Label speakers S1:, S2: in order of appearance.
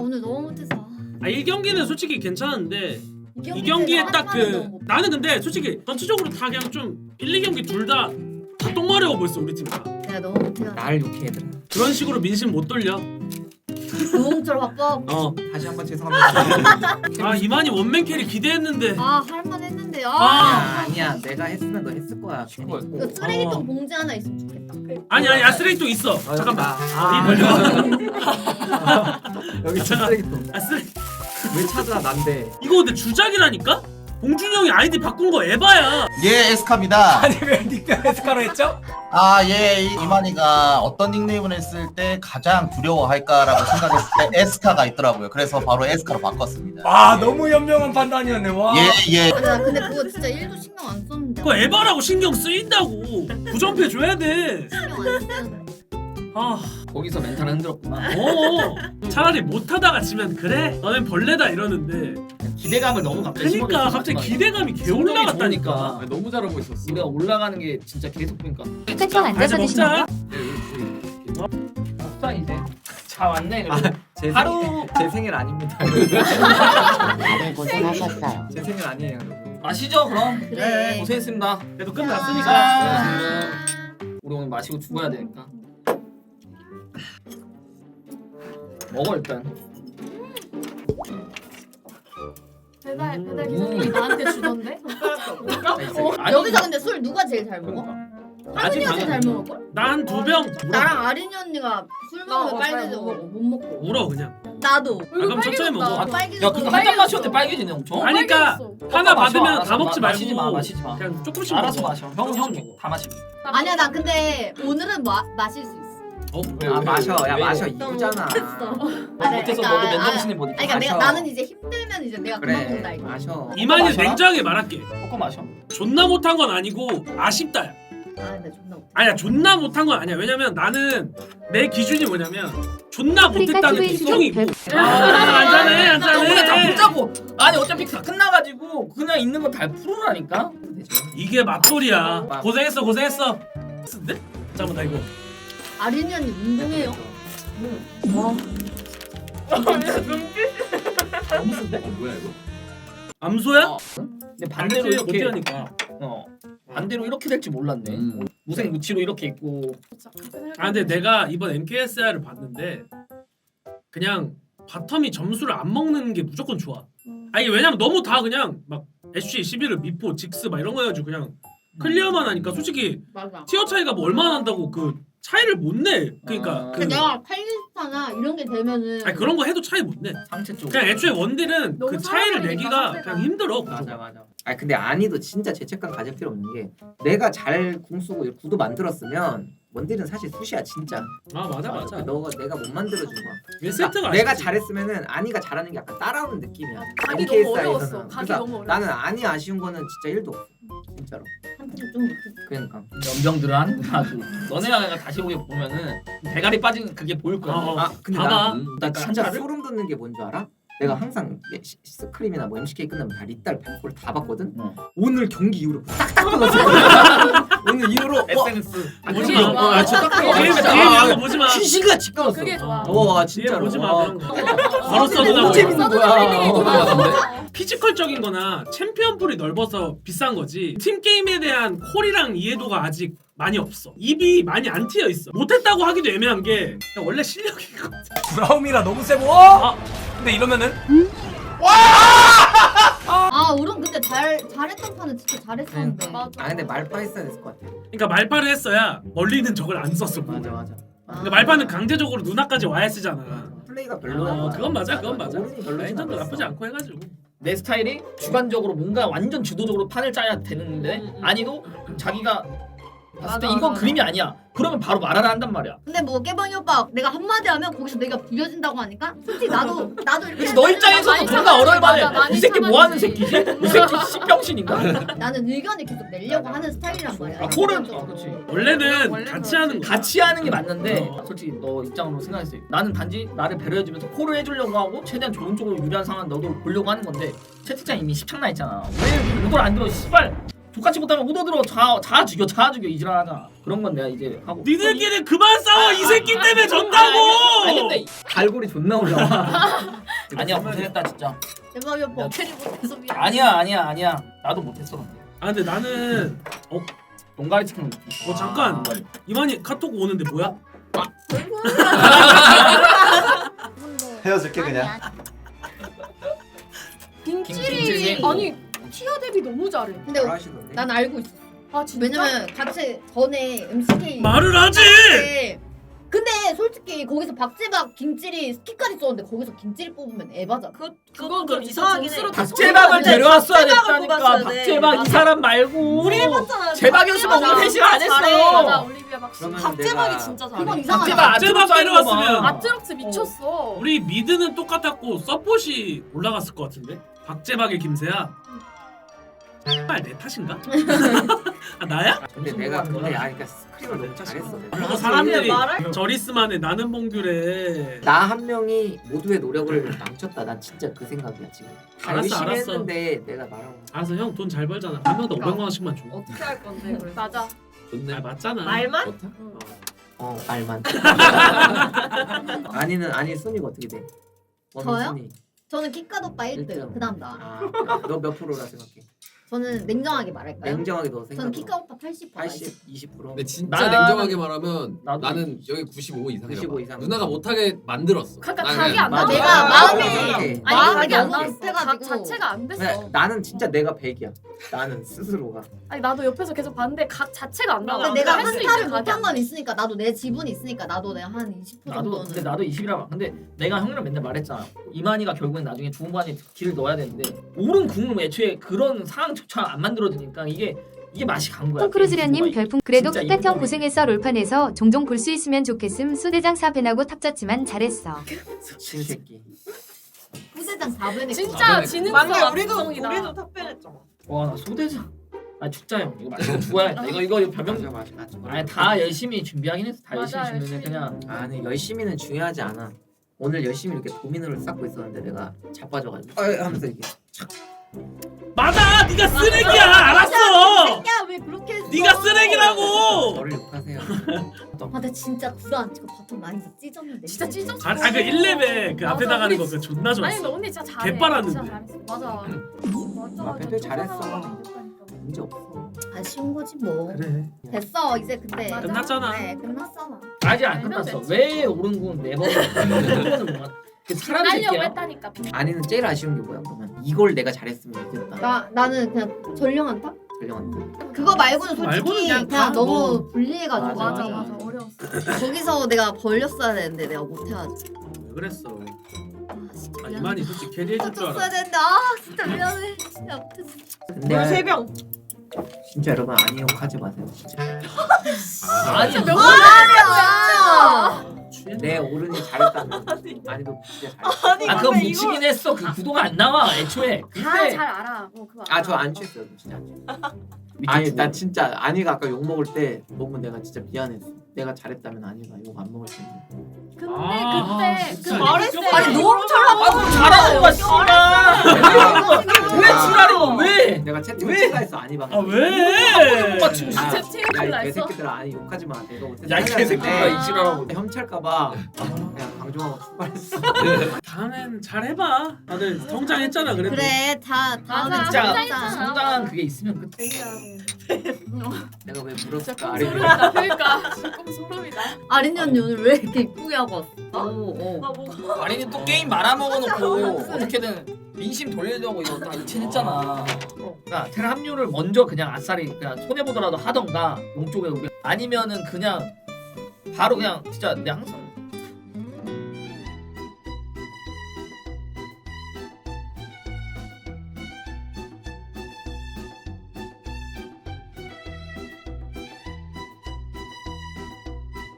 S1: 오늘 너무 못해서.
S2: 아 1경기는 솔직히 괜찮은데 2경기에 딱 그 나는 근데 솔직히 전체적으로 다 그냥 좀 1, 2경기 둘 다 똥마려워 보였어 우리 팀 다.
S1: 내가 너무 못해서.
S3: 날 욕해 얘들아.
S2: 그런 식으로 민심 못 돌려.
S1: 노홍철 바꿔.
S3: 다시 한번 죄송합니다.
S2: 아 이만희 원맨 캐리 기대했는데.
S1: 아 할만했는데.
S3: 아니야 내가 했으면 너 했을 거야.
S1: 그 쓰레기통 봉지 하나 있으면 좋겠다.
S2: 아니야 쓰레기통 있어. 잠깐만.
S3: 여기 쓰레기통.
S2: 아 쓰레.
S3: 왜 찾아 난데?
S2: 이거 근데 주작이라니까? 봉준이 형이 아이디 바꾼 거 에바야.
S4: 예, 에스카입니다.
S5: 아니 왜 닉네임 에스카로 했죠?
S4: 아, 예, 이만희가 어떤 닉네임을 했을 때 가장 두려워할까라고 생각했을 때 에스카가 있더라고요. 그래서 바로 에스카로 바꿨습니다.
S5: 와 너무 현명한 판단이었네. 와.
S4: 예, 예.
S1: 아, 나 근데 그거 진짜 1도 신경 안 썼는데.
S2: 그거 에바라고 신경 쓰인다고. 부정패 줘야 돼.
S1: 신경 안 쓰는데.
S2: 아,
S3: 거기서 멘탈 흔들었구나.
S2: 차라리 못하다가 지면 그래? 너넨 벌레다 이러는데.
S6: 기대감을 너무 갑자기
S2: 그러니까 갑자기 기대감이 개 올라갔다니까.
S6: 너무 잘하고 있었어. 우리가 올라가는 게 진짜 계속 보니까.
S7: 끝장 앉아서 드시는 거?
S6: 없다 이제. 자 왔네. 그래도.
S3: 제
S6: 하루
S3: 제 생일 아닙니다.
S7: 다들 고생하셨어요.
S3: 제 생일 아니에요. 여러분.
S6: 마시죠 그럼.
S1: 그래.
S6: 고생했습니다.
S2: 그래도 끝났으니까.
S6: 자, 우리 오늘 마시고 죽어야 되니까. 먹어 일단.
S8: 배달 기사님이 나한테 주던데?
S6: 아니,
S1: 여기서 근데 술 누가 제일 잘 먹어?
S6: 아직
S1: 하민이가 제일 잘 먹을 걸?
S2: 난 2병.
S1: 나랑 아린이 언니가 술 먹으면
S8: 잘
S1: 빨개져
S8: 먹어.
S1: 못 먹고.
S2: 울어 그냥.
S1: 나도.
S2: 아, 그럼 천천히 먹어.
S1: 빨개져.
S6: 야 그거 한 잔 마셨는데 빨개지네 엄청.
S2: 아니 그니까 하나 받으면 다 먹지 말고
S6: 마시지 마 마시지 마.
S2: 그냥 조금씩
S6: 알아서
S2: 먹어.
S6: 마셔. 형다 마시고.
S1: 아니야 나 근데 오늘은 마실 수 있어.
S3: 아 마셔. 야
S6: 왜?
S3: 마셔
S1: 너무
S3: 이거잖아.
S1: 못했어.
S6: 못해서 너도 맨정신에 못
S1: 아니 그러니까 내가
S3: 마셔.
S1: 나는 이제 힘들면 이제 내가 그만
S3: 그래
S1: 먹는다 이거.
S3: 마셔.
S2: 이만희
S6: 마셔라?
S2: 냉정하게 말할게.
S6: 꺾어 마셔.
S2: 존나 못한 건 아니고 아쉽다야.
S1: 아 근데 존나 웃겨.
S2: 아니야 존나 못한 건 아니야. 왜냐면 나는 내 기준이 뭐냐면 존나 못했다는 게 특성이고. 안전해
S6: 우리가 다
S2: 안전해.
S6: 보자고. 아니 어차피 다 끝나가지고 그냥 있는 거 다 풀으라니까.
S2: 이게 맛돌이야. 고생했어 고생했어. 쓰는데? 잠깐만 나 이거.
S1: 아린이 언니 운동해요.
S6: 너무 쓴데?
S3: 뭐야 이거?
S2: 암소야?
S6: 근데 반대로
S2: 알지,
S6: 이렇게
S2: 못하니까.
S6: 반대로 이렇게 될지 몰랐네. 무생 무치로 이렇게 있고.
S2: 아 근데 내가 이번 MKSR을 봤는데 그냥 바텀이 점수를 안 먹는 게 무조건 좋아. 아니 왜냐면 너무 다 그냥 막 SC 11을 미포 직스 막 이런 거 해가지고 그냥 클리어만 하니까 솔직히
S1: 맞아.
S2: 티어 차이가 뭐 얼마나 난다고 그 차이를 못 내. 그러니까 그
S1: 근데 내가 칼리스타나 이런 게 되면은
S2: 아니 그런 거 해도 차이 못 내.
S6: 상체 쪽.
S2: 그냥 애초에 원딜은
S8: 너무
S2: 그 차이를
S8: 사람이니까,
S2: 내기가
S8: 상대가.
S2: 그냥 힘들어.
S3: 맞아. 아 근데 아니도 진짜 죄책감 가질 필요 없는 게 내가 잘 공 쓰고 구도 만들었으면 원딜은 사실 쑤시야 진짜.
S2: 아 맞아.
S3: 너가 내가 못 만들어준 거야.
S2: 왜 세트가
S3: 내가
S2: 아쉽지.
S3: 잘했으면은 아니가 잘하는 게 약간 따라오는 느낌이야.
S8: 가기
S3: MKS
S8: 너무 어려웠어.
S3: 사이에서는.
S8: 가기
S3: 그래서
S8: 너무 어려웠어.
S3: 나는 아니 아쉬운 거는 진짜 1도 없어. 진짜로.
S1: 한테는 좀 못했어.
S3: 그러니까.
S6: 연병들은 하는구나 아주. 너네가 다시 보게 보면은 대가리 빠진 그게 보일 거야.
S2: 아,
S3: 근데
S2: 봐봐.
S3: 나 진짜
S6: 한자를?
S3: 소름 돋는 게 뭔지 알아? 내가 항상 스크림이나 뭐 MCK 끝나면 다 리딸 100% 다 봤거든? 오늘 경기 이후로 싹다 끊었어. 오늘 이후로
S6: SNS.
S2: 보지
S8: 그게
S2: 마.
S8: 좋아.
S2: 아, 진짜
S8: 그게
S2: 게임
S8: 좋아.
S2: 이런 거 보지 마.
S3: 시시같이 끊었어.
S8: 그게 좋아.
S3: 와
S2: 뒤에
S3: 진짜로.
S2: 보지 마
S3: 와.
S2: 그런 거. 걸었어
S3: 너무
S2: 누나.
S3: 재밌는 거야.
S2: 피지컬적인 거나 챔피언 풀이 넓어서 비싼 거지 팀 게임에 대한 콜이랑 이해도가 아직 많이 없어. 입이 많이 안 트여 있어. 못했다고 하기도 애매한 게 그냥 원래 실력이거든.
S5: 브라움이라 너무 세고. 근데 이러면은
S1: 아 우론 근데 잘했던 판은 진짜 잘했었는데.
S8: 맞아.
S3: 아 근데 말파 했어야 됐을 것 같아.
S2: 그러니까 말파를 했어야 멀리는 적을 안 썼어.
S3: 맞아.
S2: 그러니까 말파는 강제적으로 누나까지 와야 쓰잖아.
S3: 플레이가 별로야.
S2: 그건 맞아 그건 맞아.
S3: 오른이 별로진
S2: 라인전도
S3: 않았어.
S2: 나쁘지 않고 해가지고.
S6: 내 스타일이 주관적으로 뭔가 완전 주도적으로 판을 짜야 되는데 아니도 자기가 봤을 때
S8: 맞아,
S6: 이건
S8: 맞아.
S6: 그림이 아니야. 그러면 바로 말하라 한단 말이야.
S1: 근데 뭐 깨방이 오빠 내가 한마디 하면 거기서 내가 부려진다고 하니까 솔직히 나도 이렇게
S6: 그래서 너 입장에서도
S8: 많이
S6: 존나
S8: 참아야지,
S6: 어려울만해.
S8: 맞아, 많이
S6: 이 새끼 뭐 하는
S8: 참아야지.
S6: 새끼지? 이 새끼 씨병신인가?
S1: 나는 의견을 계속 내려고 하는 스타일이란 말이야.
S6: 아 콜은 그렇지.
S2: 원래는
S8: 원래는
S2: 같이 하는 거야.
S6: 같이 하는 게 맞는데 솔직히 너 입장으로 생각했을 때 나는 단지 나를 배려해주면서 콜을 해주려고 하고 최대한 좋은 쪽으로 유리한 상황 너도 보려고 하는 건데 채팅창 이미 십창나 있잖아. 왜 이걸 안 들어? 씨발 똑같이 못하면 우도들어 자 죽여 이지랄하자. 그런 건 내가 이제 하고.
S2: 니들끼리 그만 싸워 이 새끼 때문에 전다고.
S6: 아니 근데
S3: 갈고리 존나 올라와.
S6: 아니야 고생했다 진짜.
S1: 대박이야
S6: 야.
S1: 버튼이 못해서 미안.
S6: 아니야 나도 못했어 근데.
S2: 아 근데 나는
S6: 농가리 치킨.
S2: 잠깐 이만희 카톡 오는데 뭐야?
S9: 헤어질게 그냥.
S8: 빈찔이
S6: 빈찔이.
S8: 아니 티어 대비 너무 잘해.
S1: 근데
S3: 잘하시던데.
S1: 난 알고 있어.
S8: 아 진짜?
S1: 왜냐면 같이 전에 MCK
S2: 말을 하지.
S1: 때 근데 솔직히 거기서 박재박 김찔이 스키까지 썼는데 거기서 김찔이 뽑으면 에바잖아.
S8: 그건 좀 이상하긴 해.
S6: 박재박을 데려왔어야 됐다니까.
S8: 뽑았어야 돼.
S6: 박재박 이
S8: 맞아.
S6: 사람 말고.
S8: 우리 해봤잖아.
S6: 재박이었으면 오늘 회식 안 했어.
S8: 맞아 올리비아 박씨.
S3: 그러면
S8: 박재박이
S3: 내가-
S8: 진짜
S1: 그건
S8: 잘해.
S1: 이상하다.
S2: 박재박 데려왔으면
S8: 아트록스 미쳤어.
S2: 우리 미드는 똑같았고 서폿이 올라갔을 것 같은데. 박재박의 김세야. 정말 내 탓인가? 아 나야?
S3: 근데 내가 그러니까 스크림을 너무 잘했어.
S2: 그리고 사람들이
S8: 말할-
S2: 저리스만의 나는 봉규래.
S3: 나 한 명이 모두의 노력을 망쳤다. 난 진짜 그 생각이야 지금. 다
S2: 알았어,
S3: 열심히
S2: 알았어.
S3: 했는데 내가 말하고.
S2: 알았어 형 돈 잘 벌잖아. 한 명당 500만 원씩만 줘.
S8: 어떻게 할 건데 그래. 맞아.
S2: 아 맞잖아.
S8: 말만?
S3: 말만. 아니 순위가 어떻게 돼?
S1: 저요?
S3: 순위.
S1: 저는 키카드 오빠 1등.
S3: 일등.
S1: 그다음 나.
S3: 너 몇 프로라 생각해?
S1: 저는 냉정하게 말할까요?
S3: 냉정하게 너 생각.
S1: 저는 키카 오빠 80%.
S3: 80, 20%.
S10: 근데 진짜
S6: 나는-
S10: 냉정하게 말하면
S6: 나도
S10: 나는 여기 95 이상이야.
S3: 95 이상.
S10: 누나가 못하게 만들었어.
S8: 그러니까
S10: 나는
S8: 각이 안
S6: 맞아.
S8: 나와.
S1: 내가 마음이
S3: 생각해.
S8: 아니 각이 안
S1: 너무
S8: 나왔어.
S1: 비슷해가지고.
S8: 각 자체가 안 됐어.
S3: 그냥 나는 진짜 내가 100이야. 나는 스스로가.
S8: 아니 나도 옆에서 계속 봤는데 각 자체가 안 나와.
S1: 근데 내가
S8: 할수 있는
S1: 한타를
S8: 각이
S1: 못한
S8: 안
S1: 건 있으니까 나도 내 지분이 있으니까 나도 내가 한 20%
S6: 나도
S1: 정도는.
S6: 근데 나도 20이라. 근데 내가 형이랑 맨날 말했잖아. 이만희가 결국엔 나중에 중반에 길을 넣어야 되는데 옳은 궁을 애초에 그런 상황조차 안 만들어주니까 이게 맛이 간 거야.
S7: 톰크루즈련님 별풍. 그래도
S6: 진짜
S7: 끝까형
S6: 이거
S7: 고생했어. 롤판에서 종종 볼 수 있으면 좋겠음. 수대장 사배나고 탑졌지만 잘했어.
S3: 신새끼.
S1: 부대장 4분의
S8: 진짜 지능성
S11: 맞네,
S8: 압도적이다.
S11: 탑변했잖아.
S6: 와나 소대장. 아 죽자 형. 이거 맞아 죽어야겠다. 이거 변명.
S3: 맞아.
S6: 아니 다 열심히 준비하긴 했어. 다
S8: 맞아,
S6: 열심히 준비는
S8: 열심히.
S6: 그냥.
S3: 아니 열심히는 중요하지 않아. 오늘 열심히 이렇게 도미노를 쌓고 있었는데 내가 자빠져가지고 하면서 이게
S2: 맞아. 네가 쓰레기야. 알았어.
S1: 야 왜 그렇게 했어?
S2: 네가 쓰레기라고.
S3: 저를 욕하세요.
S1: 아, 근데 진짜 구라 안 치고 바텀 많이 찢었는데.
S8: 진짜 찢었어.
S2: 그 1레벨 그 앞에
S8: 맞아,
S2: 나가는 거
S8: 우리
S2: 그 존나
S8: 아니
S2: 좋았어.
S8: 근데 언니 진짜 잘해.
S2: 개빨았는데.
S8: 진짜 잘했어. 맞아.
S3: 아, 밴드 잘했어. 문제 없어.
S1: 아쉬운 거지 뭐.
S2: 그래.
S1: 됐어 이제 근데.
S8: 맞아.
S2: 끝났잖아.
S1: 네 끝났잖아.
S6: 아직 안
S8: 알면
S6: 끝났어.
S8: 됐지.
S6: 왜 옳은 군 네 번. 그 사람
S8: 날려고
S6: 새끼야.
S8: 했다니까.
S3: 아니는 제일 아쉬운 게 뭐야 그러면 이걸 내가 잘했으면 이겼다.
S1: 나는 그냥 전령한타?
S3: 전령한테.
S1: 그거 말고는 솔직히
S2: 말고는
S1: 그냥,
S2: 그냥 다
S1: 너무
S2: 뭐-
S1: 불리해가지고.
S8: 맞아
S3: 맞아.
S8: 맞아 어려웠어.
S1: 거기서 내가 벌렸어야 되는데 내가 못해가지고.
S2: 왜 그랬어?
S1: 아 진짜
S2: 아
S1: 미안해.
S2: 이만희 솔직히 캐리해줄 줄
S1: 줬어야
S2: 알아.
S1: 되는데 아 진짜 미안해. 진짜 못했어.
S3: 근데
S11: 세병.
S3: 진짜 여러분 아니 욕하지 마세요 진짜.
S6: 아니
S8: 진짜 몇
S1: 아!
S3: 내 오른이 잘했다면 아니도 진짜 잘했어.
S6: 아 그건 묻히긴 했어. 그 구도가 안 나와 애초에.
S8: 다잘
S6: 근데
S8: 알아. 뭐 그거.
S3: 아 저 안 취했어요 진짜 안 취했어요. 아니 나 진짜 아니가 아까 욕 먹을 때 너무 내가 진짜 미안했어. 내가 잘했다면 아니가 욕 안 먹을 텐데.
S8: 근데
S2: 아,
S8: 그때
S2: 진짜.
S8: 그 말했어.
S1: 아니 너무 잘하고.
S6: 아 잘하는 거야 씨발. 왜 지랄이고 왜?
S3: 내가 채팅을
S6: 왜?
S3: 친다했어 아니가.
S2: 아 왜?
S6: 오빠 지금
S3: 야,
S8: 채팅을
S3: 야, 이
S8: 했어?
S3: 개새끼들아 아니 욕하지 마. 내가 못해서
S6: 야, 이 개새끼들아, 이 지랄하고.
S3: 혐찰까봐 그냥 방종하고 출발했어.
S2: 다음엔 잘 해봐. 다들 성장했잖아 그래도.
S1: 그래 다 다음에
S8: 맞아.
S6: 진짜
S8: 성장했잖아.
S6: 성장한 그게 있으면 끝.
S3: 내가 왜
S8: 진짜
S3: 물었을까 아니.
S8: 꼼소름이다. 그러니까 진짜 꼼소름이다.
S1: 아린이 언니 오늘 왜 이렇게 이쁘게 하고 왔어?
S8: 나 뭐가?
S6: 아니 또 게임 말아먹어놓고 어떻게든 민심 돌리려고 이거 다 이체했잖아. 그러니까 테라 합류를 먼저 그냥 아싸리 그냥 손해 보더라도 하던가 용 쪽에 우리 아니면은 그냥 바로 그냥 진짜 내가 항상